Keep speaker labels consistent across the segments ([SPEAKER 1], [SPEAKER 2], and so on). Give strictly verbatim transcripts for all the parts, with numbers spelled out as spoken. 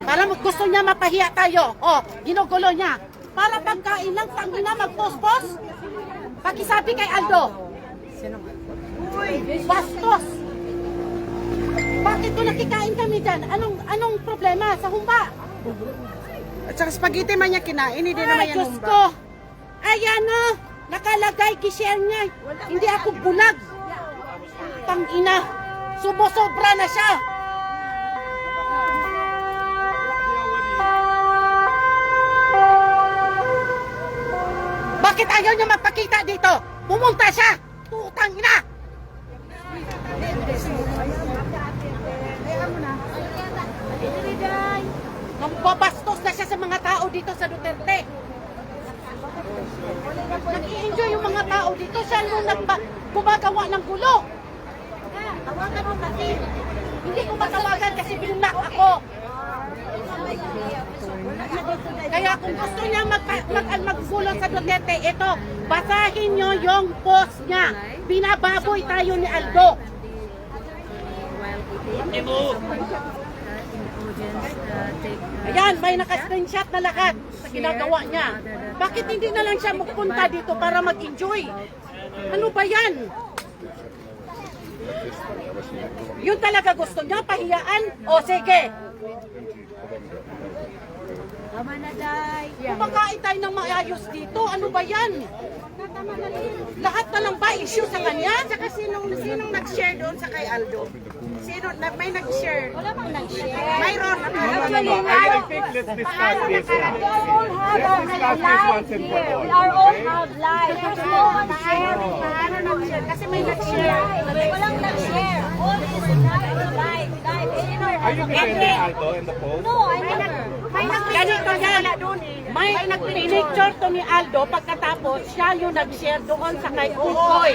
[SPEAKER 1] Para mag- gusto niya mapahiya tayo. O, ginugulo niya. Para pagkain lang, tangina magpospos. Pakisabi kay Aldo. Uy, bastos. Bakit ko nakikain kami dyan? Anong anong problema sa humba?
[SPEAKER 2] At saka spaghetti man niya kinain, hindi naman
[SPEAKER 1] Ay,
[SPEAKER 2] yan
[SPEAKER 1] Diyos
[SPEAKER 2] humba.
[SPEAKER 1] ko. Ayan o. Nakalagay, gishare niya. Hindi ako bulag. Tangina. Subo-sobra na siya. Bakit ayaw niya magpakita dito? Pumunta siya! Tutang ina! Nambabastos na siya sa mga tao dito sa Duterte. Nag-i-enjoy yung mga tao dito. Siya yung nagba- gumagawa ng gulo. Tawagan mo kasi. Hindi ko matawagan kasi binak ako. Kaya kung gusto niya mag, mag, maggulo sa Duterte, ito, basahin niyo yung post niya. Binababoy tayo ni Aldo. Ayan, may naka-screenshot na lahat sa ginagawa niya. Bakit hindi na lang siya magpunta dito para mag-enjoy? Ano ba yan? Yun talaga gusto niya, pahiyaan? O sige.
[SPEAKER 3] Tama na, Day.
[SPEAKER 1] Kumakain tayo ng maayos dito. Ano ba yan? Lahat na lang ba issue sa kanya?
[SPEAKER 2] Saka sinong, sinong nag-share doon sa kay Aldo? Sino, na, may nag-share?
[SPEAKER 3] Wala bang nag-share?
[SPEAKER 2] Mayroon.
[SPEAKER 4] No, no, no. I, I think let's discuss this.
[SPEAKER 3] We all have our
[SPEAKER 4] Let's discuss this
[SPEAKER 3] lives
[SPEAKER 4] once and for
[SPEAKER 3] here.
[SPEAKER 4] all.
[SPEAKER 3] We are all
[SPEAKER 4] Okay?
[SPEAKER 3] have lives. There's no one share.
[SPEAKER 2] Paano nag-share? Kasi may nag-share.
[SPEAKER 3] Walang nag-share. All is live, live, live. In our
[SPEAKER 4] Are you defending Aldo in the post?
[SPEAKER 3] No, I never.
[SPEAKER 2] May
[SPEAKER 1] Ganito yan. May nag-picture to ni Aldo pagkatapos siya yung nag-share doon sa kay Ukoy.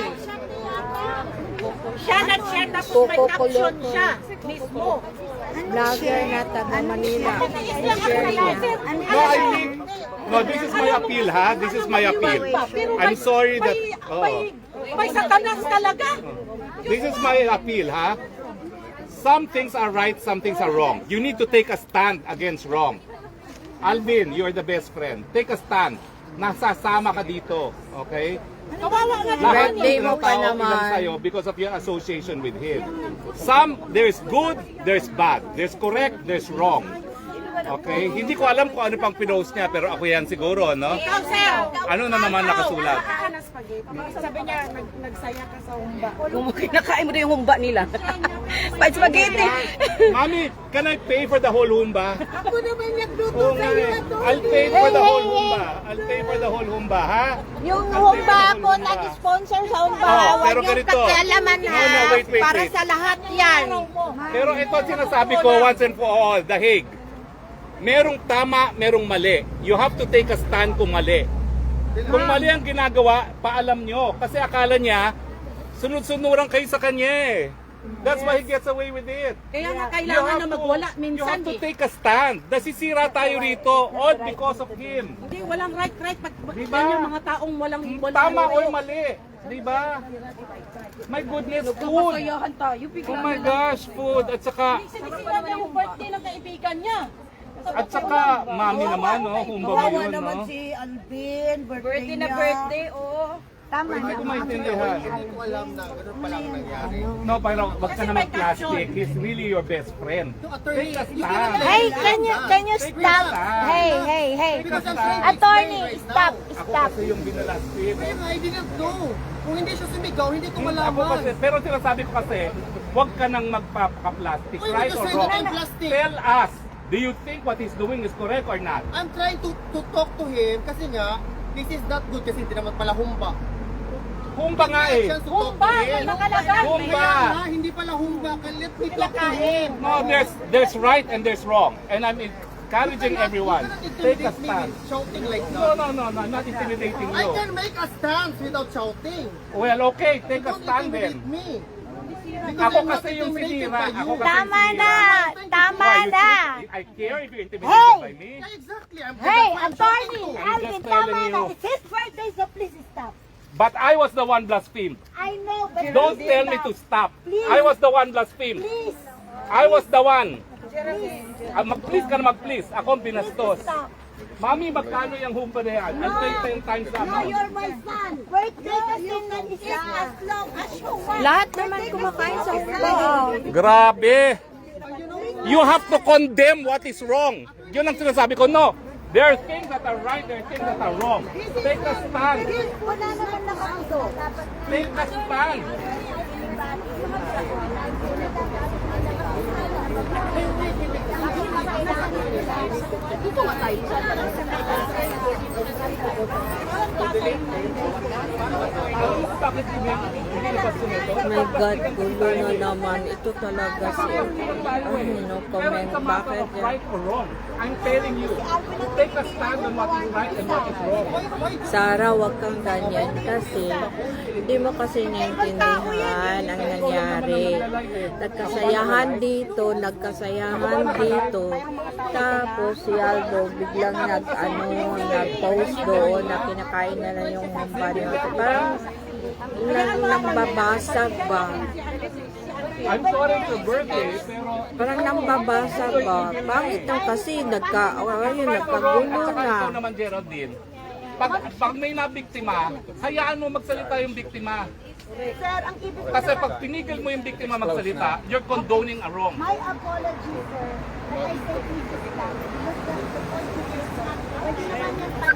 [SPEAKER 1] Siya nag-share tapos may caption siya mismo.
[SPEAKER 5] Vlogger na taga Manila.
[SPEAKER 4] No, I think, no, this is my appeal, ha? This is my appeal. I'm sorry that,
[SPEAKER 1] May,
[SPEAKER 4] oh,
[SPEAKER 1] may satanas talaga.
[SPEAKER 4] this is my appeal, ha? Some things are right, some things are wrong. You need to take a stand against wrong. Alvin, you're the best friend. Take a stand. Nasasama ka dito, okay?
[SPEAKER 1] Kawawa nga
[SPEAKER 4] Lahat
[SPEAKER 1] naman.
[SPEAKER 5] Birthday
[SPEAKER 4] ng
[SPEAKER 5] mo pa
[SPEAKER 4] tao
[SPEAKER 5] naman.
[SPEAKER 4] ilang sa'yo because of your association with him. Some, there's good, there's bad. There's correct, there's wrong. Okay? Hindi ko alam kung ano pang pinost niya, pero ako yan siguro, no?
[SPEAKER 1] Ikaw, sir.
[SPEAKER 4] Ano na naman nakasulat?
[SPEAKER 2] Kaka na spaghetti. Sabi niya, nag, nagsaya ka sa humba.
[SPEAKER 5] Kung kinakain mo na yung humba nila. Pa spaghetti.
[SPEAKER 4] Mami, can I pay for the whole humba?
[SPEAKER 2] Ako naman nagluto
[SPEAKER 4] Oo nga eh. I'll pay for the whole humba. I'll pay for the whole humba, ha?
[SPEAKER 3] Yung
[SPEAKER 4] I'll pay for
[SPEAKER 3] humba
[SPEAKER 4] the
[SPEAKER 3] ako
[SPEAKER 4] whole humba.
[SPEAKER 3] nag-sponsor sa humba.
[SPEAKER 4] Oh,
[SPEAKER 3] Huwag
[SPEAKER 4] pero
[SPEAKER 3] niyong
[SPEAKER 4] ganito.
[SPEAKER 3] pakialaman ha.
[SPEAKER 4] No, no, wait, wait,
[SPEAKER 3] Para
[SPEAKER 4] wait.
[SPEAKER 3] sa lahat yan.
[SPEAKER 4] Pero ito ang sinasabi ko once and for all, The Hague. Merong tama, merong mali. You have to take a stand kung mali. Kung mali ang ginagawa, paalam nyo. Kasi akala niya, sunod-sunuran kayo sa kanya eh. That's why he gets away with it.
[SPEAKER 1] Kaya nga
[SPEAKER 4] You
[SPEAKER 1] kailangan
[SPEAKER 4] have
[SPEAKER 1] na
[SPEAKER 4] to-
[SPEAKER 1] magwala
[SPEAKER 4] You
[SPEAKER 1] minsan
[SPEAKER 4] have to
[SPEAKER 1] eh.
[SPEAKER 4] take a stand. Nasisira tayo rito all because of him.
[SPEAKER 1] Hindi, walang right, right. Pag pag-
[SPEAKER 4] Diba?
[SPEAKER 1] yan yung mga taong walang walang
[SPEAKER 4] Tama o
[SPEAKER 1] ulo.
[SPEAKER 4] mali. Diba? My goodness, food. Oh my gosh, food. At saka,
[SPEAKER 1] Sinisira niya yung birthday ng kaibigan niya.
[SPEAKER 4] at saka, mami naman, no? Humba ba yun, no?
[SPEAKER 2] Alvin,
[SPEAKER 3] Birthday na birthday, oh. Tama
[SPEAKER 4] Hindi
[SPEAKER 3] na.
[SPEAKER 4] ko maintindihan. No, pero wag ka naman plastic. He's really your best friend. Take a stand.
[SPEAKER 3] Hey, can you can you
[SPEAKER 4] Take
[SPEAKER 3] stop?
[SPEAKER 4] a stand.
[SPEAKER 3] Hey, hey, hey.
[SPEAKER 4] Take a stand.
[SPEAKER 3] Attorney, stop,
[SPEAKER 4] Ako
[SPEAKER 3] stop.
[SPEAKER 4] kasi yung binalastin.
[SPEAKER 2] I didn't know. Kung hindi siya sumigaw, hindi ko
[SPEAKER 4] Ako kasi, pero sinasabi ko kasi, wag ka nang magpapaka-plastic,
[SPEAKER 2] Uy,
[SPEAKER 4] right
[SPEAKER 2] because
[SPEAKER 4] or
[SPEAKER 2] I
[SPEAKER 4] wrong.
[SPEAKER 2] don't plastic.
[SPEAKER 4] Tell us, do you think what he's doing is correct or not?
[SPEAKER 6] I'm trying to to talk to him kasi nga this is not good kasi hindi naman pala humba.
[SPEAKER 4] Humba nga eh.
[SPEAKER 6] Chance to talk
[SPEAKER 1] Humba,
[SPEAKER 6] to him.
[SPEAKER 1] nakalagay.
[SPEAKER 4] Humba.
[SPEAKER 6] Kaya nga, hindi pala humba. Let me talk to him.
[SPEAKER 4] No, there's there's right and there's wrong. And I'm encouraging everyone. Take a stand.
[SPEAKER 6] Shouting like
[SPEAKER 4] No,
[SPEAKER 6] that.
[SPEAKER 4] no, no, no, I'm not intimidating
[SPEAKER 6] I
[SPEAKER 4] you.
[SPEAKER 6] can make a stance without shouting.
[SPEAKER 4] Well, okay, take a
[SPEAKER 6] Don't
[SPEAKER 4] stand
[SPEAKER 6] intimidate
[SPEAKER 4] then.
[SPEAKER 6] me.
[SPEAKER 4] Ako kasi yung sinira. Ako kasi
[SPEAKER 3] Tama
[SPEAKER 4] yung
[SPEAKER 3] na.
[SPEAKER 4] sinira.
[SPEAKER 3] Tama
[SPEAKER 4] Why, you
[SPEAKER 3] na.
[SPEAKER 4] think I care if you're intimidated
[SPEAKER 3] Hey!
[SPEAKER 4] by me?
[SPEAKER 6] Yeah, exactly. I'm
[SPEAKER 3] Hey,
[SPEAKER 6] that's why I'm
[SPEAKER 3] attorney,
[SPEAKER 6] shouting to him.
[SPEAKER 3] Alvin,
[SPEAKER 4] just telling
[SPEAKER 3] tama na.
[SPEAKER 4] you.
[SPEAKER 3] It's his birthday, so please stop.
[SPEAKER 4] But I was the one blasphemed.
[SPEAKER 3] I know, but
[SPEAKER 4] Don't
[SPEAKER 3] please
[SPEAKER 4] tell me
[SPEAKER 3] stop.
[SPEAKER 4] to stop.
[SPEAKER 3] Please.
[SPEAKER 4] I was the one blasphemed.
[SPEAKER 3] Please.
[SPEAKER 4] I was the one. Ah, mag-please ka na mag-please. Ako ang binastos. Mami, magkano yung humpa na yan? I'll pay ten times that amount.
[SPEAKER 3] my son. Wait, you can eat as long as you want.
[SPEAKER 5] Lahat naman kumakain sa humba.
[SPEAKER 4] Grabe! You have to condemn what is wrong. Yun ang sinasabi ko. No. There are things that are right, there are things that are wrong. Take a stand.
[SPEAKER 3] Wala naman nakauso.
[SPEAKER 4] Take a stand. Bakit hindi hindi na sunod?
[SPEAKER 5] My God, gulo na naman. Ito talaga si, ano, no
[SPEAKER 4] Pero
[SPEAKER 5] comment.
[SPEAKER 4] it's a matter
[SPEAKER 5] Bakit
[SPEAKER 4] of
[SPEAKER 5] yan?
[SPEAKER 4] right or wrong. I'm telling you, take a stand on what is right and what is wrong.
[SPEAKER 5] Sarah, wag kang ganyan kasi hindi mo kasi naiintindihan ang nangyari. Nagkasayahan dito, nagkasayahan dito. Tapos si Aldo biglang nag, ano, nag-post doon na kinakain na lang yung humba niya. Parang nang, nambabasag ba?
[SPEAKER 4] I'm sorry it's your birthday, pero
[SPEAKER 5] Parang nambabasag ba? Pangit lang kasi nagka, ayun,
[SPEAKER 4] right or wrong,
[SPEAKER 5] nagkagulo
[SPEAKER 4] at saka
[SPEAKER 5] na.
[SPEAKER 4] ikaw naman, Geraldine, pag, pag may nabiktima, hayaan mo magsalita yung biktima.
[SPEAKER 3] Sir, ang ibig
[SPEAKER 4] Kasi pag pinigil mo yung biktima magsalita, you're condoning a wrong.
[SPEAKER 3] My apology, sir. But I say please stop. Because the, the point is not, pwede naman yan